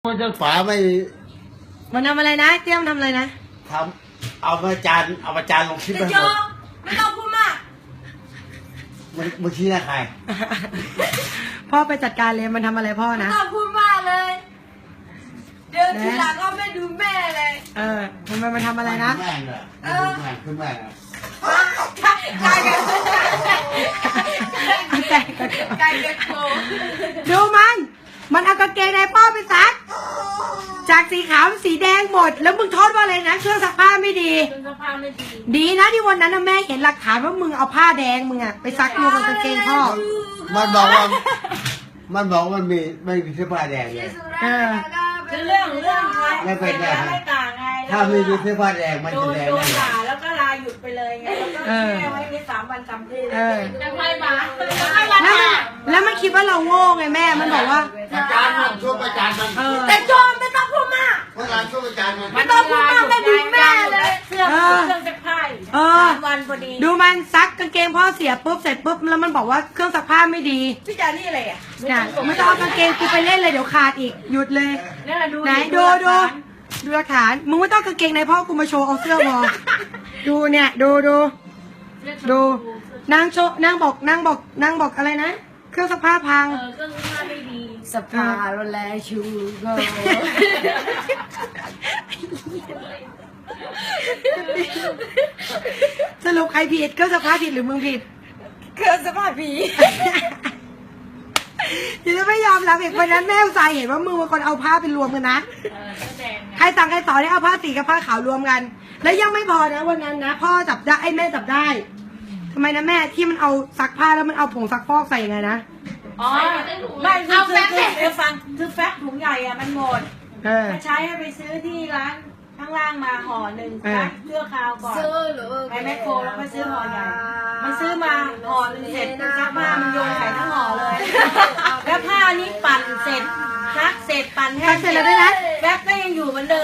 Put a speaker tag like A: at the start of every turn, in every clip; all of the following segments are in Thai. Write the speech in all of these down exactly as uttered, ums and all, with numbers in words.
A: มันจะฝาไม่
B: มันทำอะไรนะเตี้ยมทำอะไรนะ
A: ทำเอามาจานเอามาจานลงคลิปไปหมด
C: ไม่ต้องพูดมาก
A: มันมึงชี้หน้าใคร
B: พ่อไปจัดการเลยมันทำอะไรพ่อนะ
C: ไม่ต้องพูดมากเลยเดินทีหลังก็ไม่ดูแม่เลย
B: เออทำไมมันทำอะไรนะ
A: แม่เนอะแม่ขึ้นแม่
C: ไก่ไก่ไก่ไก่โก
B: ดูมันมันเอากางเกงในพ่อไปซักจากสีขาวเป็นสีแดงหมดแล้วมึงโทษว่าอะไรนะเครื่องซักผ้าไม่ดี
C: เครื่องซักผ้าไม่ดี
B: ดีนะที่วันนั้นแม่เห็นหลักฐานว่ามึงเอาผ้าแดงมึงอะไปซักรวมกับกางเกงพ่อ
A: มันบอกว่ามันบอกมันมีไม่มีเสื้อผ้าแดงเลย
B: เออ
C: คือเรื่องเรื่อง
A: ไม่เป็นไร
C: ไม่ต่างไง
A: ถ้าไม่มีเสื้อผ้าแดงมันจะแดง
C: โดนด่าแล้วก็ลาหยุดไปเลยไงแล้วก็แค่ไว้ในสามวันสามคืนแต่ใครมา
B: แล้วมันแล้วมันคิดว่าเราโง่ไงแม่มันบอกว่า
A: อาจารย์มันช่วยอาจารย์มัน
C: แต่โจมไม่ต้องพูดมาก
A: อาจารย์ช่วยอาจารย์มัน
C: ไม่ต้องพูดมากไม่ดูแม่เลยเสื้อเครื่องซักผ้าสามวันพอดี
B: ดูมันซักกางเกงพ่อเสียปุ๊บเสร็จปุ๊บแล้วมันบอกว่าเครื่องซักผ้าไม่ดี
C: พี่จานี่อะไรอ่ะ
B: ไม่ต้องเอากางเกงกูไปเล่นเลยเดี๋ยวขาดอีกหยุดเลยไหนดูดูดูหลักฐานมึงไม่ต้องกางเกงในพ่อกูมาโชว์เอาเสื้อวอดูเนี่ยดูดูดูนางโชว์นางบอกนางบอกนางบอกอะไรนะเครื่องซักผ้าพัง
C: เออเครื่องซักผ้าไม่ดี
B: สภาโรแลชูโกสรุปใครผิดเครื่องซักผ้าผิดหรือมึงผิด
C: เครื่องซักผ้าผิด
B: เดี๋ยวจะไม่ยอมรับอีกวันนั้นแม่อุตส่าห์เห็นว่ามึงเป็นคนเอาผ้าไปรวมกันนะใครสั่งใครสอนให้เอาผ้าสีกับผ้าขาวรวมกัน แล้วยังไม่พอนะวันนั้นนะพ่อจับได้ไอ้แม่จับได้ทำไมนะแม่ที่มันเอาซักผ้าแล้วมันเอาผงซักฟอกใส่ยังไงนะ
C: อ๋อไม่เอาแฟกเดี๋ยวฟังคือแฟกถุงใหญ่อะมันหมดใช้ให้ไปซื้อที่ร้านข้างล่างมาห่อหนึ่งนะเชื่อคราวก่อนไปแมคโครแล้วก็ซื้อห่อใหญ่มันซื้อมาห่อหนึ่งเสร็จมันซักผ้ามันโยนใส่ทั้งห่อเลยแล้วผ้านี้ปั่นเสร็จซักเสร็จปั่นแห้ง
B: เสร็จแล้วด้วยนะ
C: แฟกก็ยังอยู่เหมือนเดิม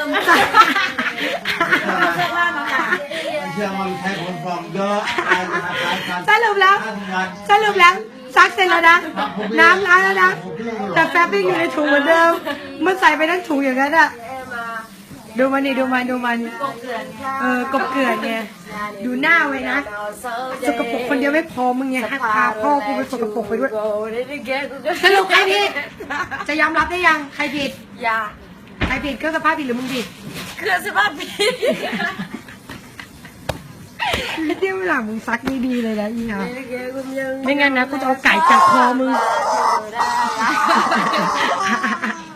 C: เสื้อผ้ามาค่ะ
A: เชื่อมันใช้ผลฟองเยอะ
B: สรุปแล้วสรุปแล้วซักเสร็จแล้วนะน้ำล้างแล้วนะแต่แฟบยังอยู่ในถุงเหมือนเดิมมันใส่ไปทั้งถุงอย่างนั้นอะดูมันนี่ดูมันดูมันเออกบเกลื่อนไงดูหน้าไว้นะสกปรกคนเดียวไม่พอมึงไงพาพ่อกูไปสกปรกไปด้วยสรุปใครผิดจะยอมรับได้ยังใครผิด
C: อย่า
B: ใครผิดเครื่องซักผ้าผิดหรือมึงผิด
C: เครื่องซักผ้าผิด
B: ไม่เที่ยวเวลามึงซักนี่ดีเลยนะอีห่าไม่งั้นนะกูจะเอาไก่จับคอมึง